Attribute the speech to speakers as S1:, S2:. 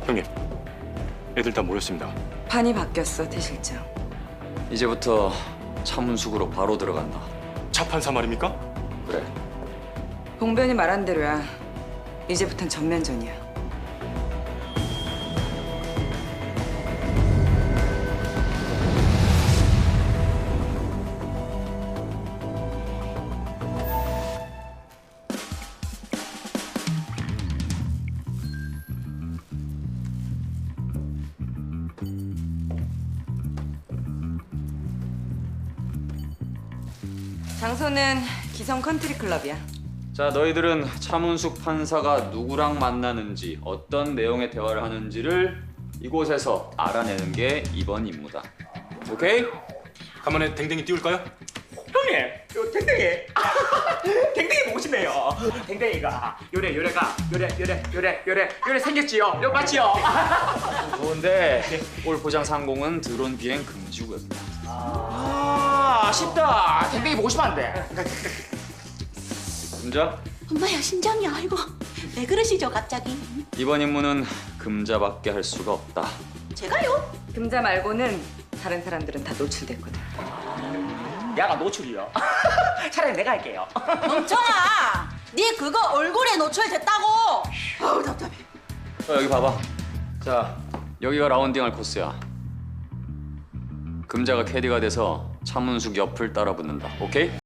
S1: 형님, 애들 다 모였습니다.
S2: 판이 바뀌었어, 태 실장.
S3: 이제부터 차문숙으로 바로 들어간다.
S1: 차판사 말입니까?
S3: 그래.
S2: 봉변이 말한 대로야. 이제부턴 전면전이야. 장소는 기성 컨트리 클럽이야.
S3: 자, 너희들은 차문숙 판사가 누구랑 만나는지, 어떤 내용의 대화를 하는지를 이곳에서 알아내는 게 이번 임무다. 오케이?
S1: 간만에 댕댕이 띄울까요?
S4: 형님, 요 댕댕이. 댕댕이 보고 싶네요. 댕댕이가 요래 생겼지요? 요 맞지요?
S3: 좋은데 올 보장 상공은 드론 비행 금지구역이다.
S4: 아쉽다. 댕댕이 보고 싶었는데.
S3: 금자,
S5: 엄마야 심장이 아이고 왜 그러시죠 갑자기?
S3: 이번 임무는 금자밖에 할 수가 없다.
S5: 제가요?
S2: 금자 말고는 다른 사람들은 다 노출됐거든.
S4: 야가 노출이요. 차라리 내가 할게요.
S5: 멍청아, 네 그거 얼굴에 노출됐다고. 아우 답답해.
S3: 여기 봐봐. 자, 여기가 라운딩할 코스야. 금자가 캐디가 돼서 차문숙 옆을 따라 붙는다. 오케이?